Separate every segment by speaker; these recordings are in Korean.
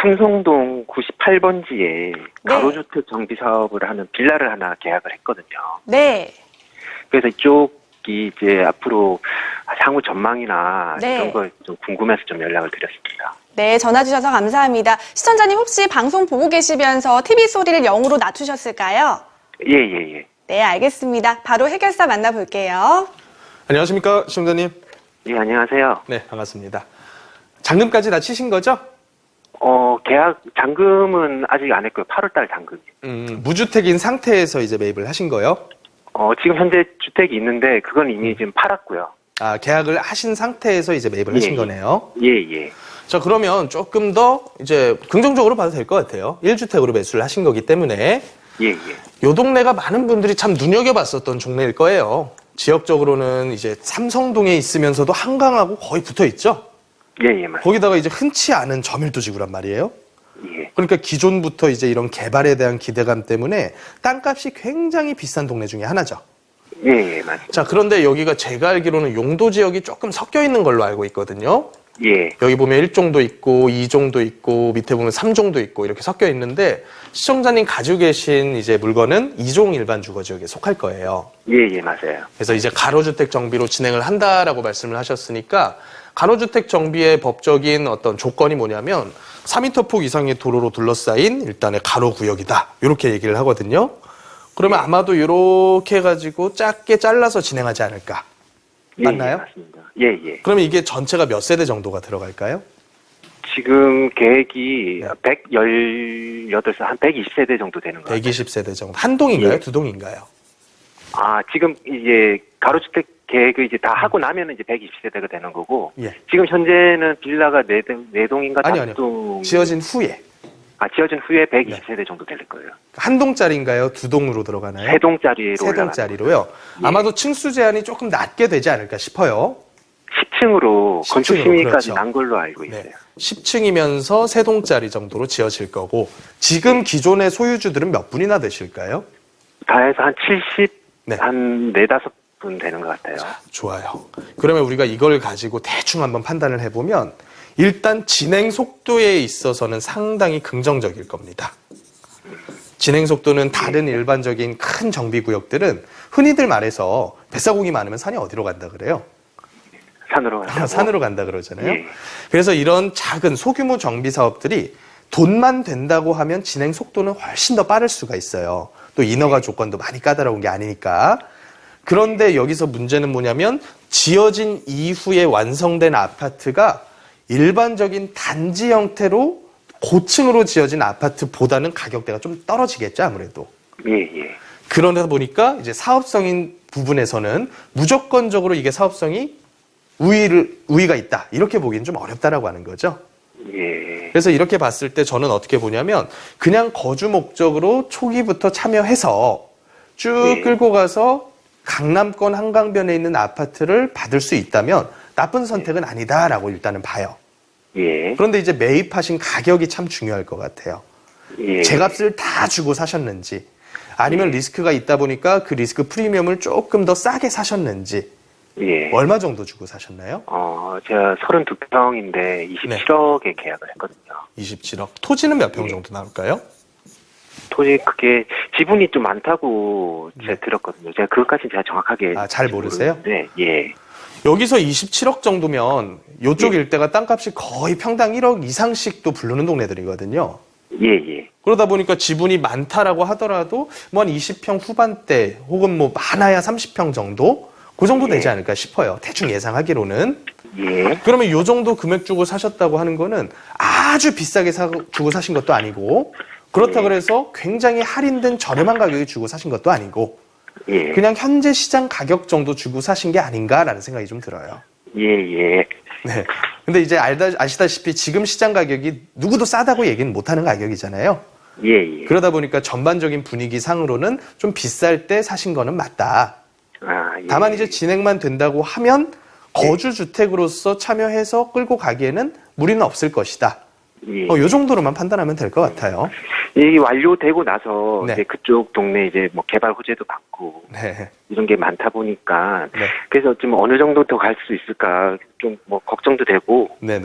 Speaker 1: 삼성동 98번지에
Speaker 2: 네.
Speaker 1: 가로주택 정비 사업을 하는 빌라를 하나 계약을 했거든요.
Speaker 2: 네.
Speaker 1: 그래서 이쪽이 이제 앞으로 향후 전망이나
Speaker 2: 네.
Speaker 1: 이런 걸 좀 궁금해서 좀 연락을 드렸습니다.
Speaker 2: 네, 전화 주셔서 감사합니다. 시청자님 혹시 방송 보고 계시면서 TV 소리를 0으로 낮추셨을까요?
Speaker 1: 예.
Speaker 2: 네, 알겠습니다. 바로 해결사 만나볼게요.
Speaker 3: 안녕하십니까, 시청자님.
Speaker 1: 예, 안녕하세요.
Speaker 3: 네, 반갑습니다. 잔금까지 다 치신 거죠?
Speaker 1: 계약 잔금은 아직 안 했고요. 8월달 잔금이요.
Speaker 3: 무주택인 상태에서 이제 매입을 하신 거예요?
Speaker 1: 지금 현재 주택이 있는데 그건 이미 지금 팔았고요.
Speaker 3: 아, 계약을 하신 상태에서 이제 매입을 하신 거네요.
Speaker 1: 예.
Speaker 3: 자, 그러면 조금 더 이제 긍정적으로 봐도 될 것 같아요. 1주택으로 매수를 하신 거기 때문에
Speaker 1: 예.
Speaker 3: 요 동네가 많은 분들이 참 눈여겨봤었던 동네일 거예요. 지역적으로는 이제 삼성동에 있으면서도 한강하고 거의 붙어 있죠?
Speaker 1: 예, 맞습니다.
Speaker 3: 거기다가 이제 흔치 않은 저밀도 지구란 말이에요.
Speaker 1: 예.
Speaker 3: 그러니까 기존부터 이제 이런 개발에 대한 기대감 때문에 땅값이 굉장히 비싼 동네 중에 하나죠.
Speaker 1: 예, 맞습니다.
Speaker 3: 자, 그런데 여기가 제가 알기로는 용도 지역이 조금 섞여 있는 걸로 알고 있거든요.
Speaker 1: 예.
Speaker 3: 여기 보면 1종도 있고 2종도 있고 밑에 보면 3종도 있고 이렇게 섞여 있는데 시청자님 가지고 계신 이제 물건은 2종 일반 주거 지역에 속할 거예요.
Speaker 1: 예, 맞아요.
Speaker 3: 그래서 이제 가로주택 정비로 진행을 한다라고 말씀을 하셨으니까 가로주택 정비의 법적인 어떤 조건이 뭐냐면 4m 폭 이상의 도로로 둘러싸인 일단의 가로 구역이다. 이렇게 얘기를 하거든요. 그러면 아마도 이렇게 해가지고 작게 잘라서 진행하지 않을까. 맞나요?
Speaker 1: 예, 맞습니다. 예.
Speaker 3: 그러면 이게 전체가 몇 세대 정도가 들어갈까요?
Speaker 1: 지금 계획이 118세, 한 120세대 정도 되는 것 같아요.
Speaker 3: 120세대 정도. 한 동인가요?
Speaker 1: 예.
Speaker 3: 두 동인가요?
Speaker 1: 지금 이제 가로주택 계획을 이제 다 하고 나면 이제 120세대가 되는 거고,
Speaker 3: 예.
Speaker 1: 지금 현재는 빌라가 4동인가
Speaker 3: 아니요.
Speaker 1: 5동.
Speaker 3: 지어진 후에.
Speaker 1: 지어진 후에 120세대 정도 될 거예요.
Speaker 3: 한 동짜리인가요? 두 동으로 들어가나요?
Speaker 1: 3동짜리로
Speaker 3: 세 동짜리로요.
Speaker 1: 예.
Speaker 3: 아마도 층수 제한이 조금 낮게 되지 않을까 싶어요.
Speaker 1: 10층으로 건축
Speaker 3: 10층으로,
Speaker 1: 심의까지
Speaker 3: 그렇죠.
Speaker 1: 난 걸로 알고 있어요.
Speaker 3: 네. 10층이면서 세 동짜리 정도로 지어질 거고 지금 기존의 소유주들은 몇 분이나 되실까요?
Speaker 1: 다 해서 한 70,
Speaker 3: 네.
Speaker 1: 한 4-5분 되는 것 같아요.
Speaker 3: 좋아요. 그러면 우리가 이걸 가지고 대충 한번 판단을 해보면 일단 진행 속도에 있어서는 상당히 긍정적일 겁니다. 진행 속도는 다른 일반적인 큰 정비 구역들은 흔히들 말해서 뱃사공이 많으면 산이 어디로 간다 그래요?
Speaker 1: 산으로 간다고.
Speaker 3: 산으로 간다 그러잖아요.
Speaker 1: 예.
Speaker 3: 그래서 이런 작은 소규모 정비 사업들이 돈만 된다고 하면 진행 속도는 훨씬 더 빠를 수가 있어요. 또 인허가 조건도 많이 까다로운 게 아니니까. 그런데 여기서 문제는 뭐냐면 지어진 이후에 완성된 아파트가 일반적인 단지 형태로 고층으로 지어진 아파트보다는 가격대가 좀 떨어지겠죠, 아무래도.
Speaker 1: 예.
Speaker 3: 그러다 보니까 이제 사업성인 부분에서는 무조건적으로 이게 사업성이 우위가 있다. 이렇게 보기는 좀 어렵다라고 하는 거죠.
Speaker 1: 예.
Speaker 3: 그래서 이렇게 봤을 때 저는 어떻게 보냐면 그냥 거주 목적으로 초기부터 참여해서 쭉
Speaker 1: 네.
Speaker 3: 끌고 가서 강남권 한강변에 있는 아파트를 받을 수 있다면 나쁜 선택은 아니다라고 일단은 봐요.
Speaker 1: 예.
Speaker 3: 그런데 이제 매입하신 가격이 참 중요할 것 같아요.
Speaker 1: 예.
Speaker 3: 제값을 다 주고 사셨는지 아니면 리스크가 있다 보니까 그 리스크 프리미엄을 조금 더 싸게 사셨는지
Speaker 1: 예.
Speaker 3: 얼마 정도 주고 사셨나요?
Speaker 1: 제가 32평인데 27억에 계약을 했거든요.
Speaker 3: 27억. 토지는 몇 평 정도 나올까요?
Speaker 1: 토지 그게 지분이 좀 많다고 제가 들었거든요. 제가 그것까지는 제가 정확하게
Speaker 3: 잘 모르세요?
Speaker 1: 네, 예.
Speaker 3: 여기서 27억 정도면 이쪽 일대가 땅값이 거의 평당 1억 이상씩도 부르는 동네들이거든요.
Speaker 1: 예.
Speaker 3: 그러다 보니까 지분이 많다라고 하더라도 뭐 한 20평 후반대 혹은 뭐 많아야 30평 정도? 그 정도 되지 않을까 싶어요. 대충 예상하기로는.
Speaker 1: 예.
Speaker 3: 그러면 이 정도 금액 주고 사셨다고 하는 거는 아주 비싸게 주고 사신 것도 아니고 그렇다 그래서 굉장히 할인된 저렴한 가격에 주고 사신 것도 아니고
Speaker 1: 예.
Speaker 3: 그냥 현재 시장 가격 정도 주고 사신 게 아닌가라는 생각이 좀 들어요.
Speaker 1: 예.
Speaker 3: 네. 근데 이제 아시다시피 지금 시장 가격이 누구도 싸다고 얘기는 못하는 가격이잖아요.
Speaker 1: 예.
Speaker 3: 그러다 보니까 전반적인 분위기 상으로는 좀 비쌀 때 사신 거는 맞다.
Speaker 1: 예.
Speaker 3: 다만 이제 진행만 된다고 하면 거주주택으로서 참여해서 끌고 가기에는 무리는 없을 것이다.
Speaker 1: 예.
Speaker 3: 요 정도로만 판단하면 될 것 같아요.
Speaker 1: 이게 완료되고 나서
Speaker 3: 네.
Speaker 1: 이제 그쪽 동네 이제 뭐 개발 호재도 받고
Speaker 3: 네.
Speaker 1: 이런 게 많다 보니까
Speaker 3: 네.
Speaker 1: 그래서 좀 어느 정도 더 갈 수 있을까 좀 뭐 걱정도 되고
Speaker 3: 네네.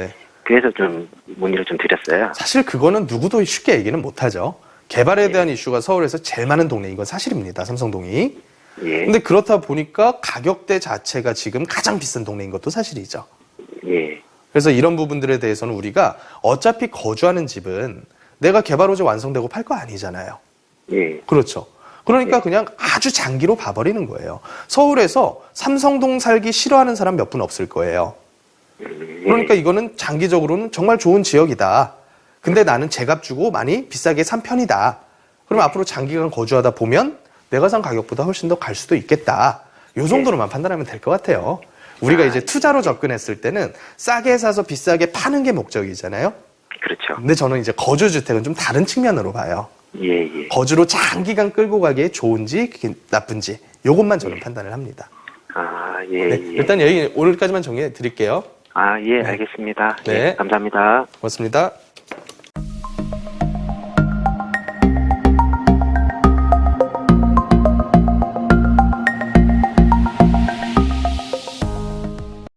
Speaker 1: 그래서 좀 문의를 좀 드렸어요.
Speaker 3: 사실 그거는 누구도 쉽게 얘기는 못하죠. 개발에 대한 이슈가 서울에서 제일 많은 동네인 건 사실입니다. 삼성동이.
Speaker 1: 예.
Speaker 3: 근데 그렇다 보니까 가격대 자체가 지금 가장 비싼 동네인 것도 사실이죠.
Speaker 1: 예.
Speaker 3: 그래서 이런 부분들에 대해서는 우리가 어차피 거주하는 집은 내가 개발 호재 완성되고 팔 거 아니잖아요.
Speaker 1: 예.
Speaker 3: 그렇죠. 그러니까 그냥 아주 장기로 봐버리는 거예요. 서울에서 삼성동 살기 싫어하는 사람 몇 분 없을 거예요. 그러니까 이거는 장기적으로는 정말 좋은 지역이다. 근데 나는 제값 주고 많이 비싸게 산 편이다. 그럼 앞으로 장기간 거주하다 보면 내가 산 가격보다 훨씬 더 갈 수도 있겠다. 요 정도로만 판단하면 될 것 같아요. 우리가 이제 투자로 접근했을 때는 싸게 사서 비싸게 파는 게 목적이잖아요.
Speaker 1: 그렇죠.
Speaker 3: 근데 저는 이제 거주주택은 좀 다른 측면으로 봐요.
Speaker 1: 예, 예.
Speaker 3: 거주로 장기간 끌고 가기에 좋은지 나쁜지 요것만 저는 판단을 합니다.
Speaker 1: 아, 예,
Speaker 3: 네,
Speaker 1: 예.
Speaker 3: 일단 여기 오늘까지만 정리해 드릴게요.
Speaker 1: 아, 예, 알겠습니다.
Speaker 3: 네.
Speaker 1: 예, 감사합니다.
Speaker 3: 고맙습니다.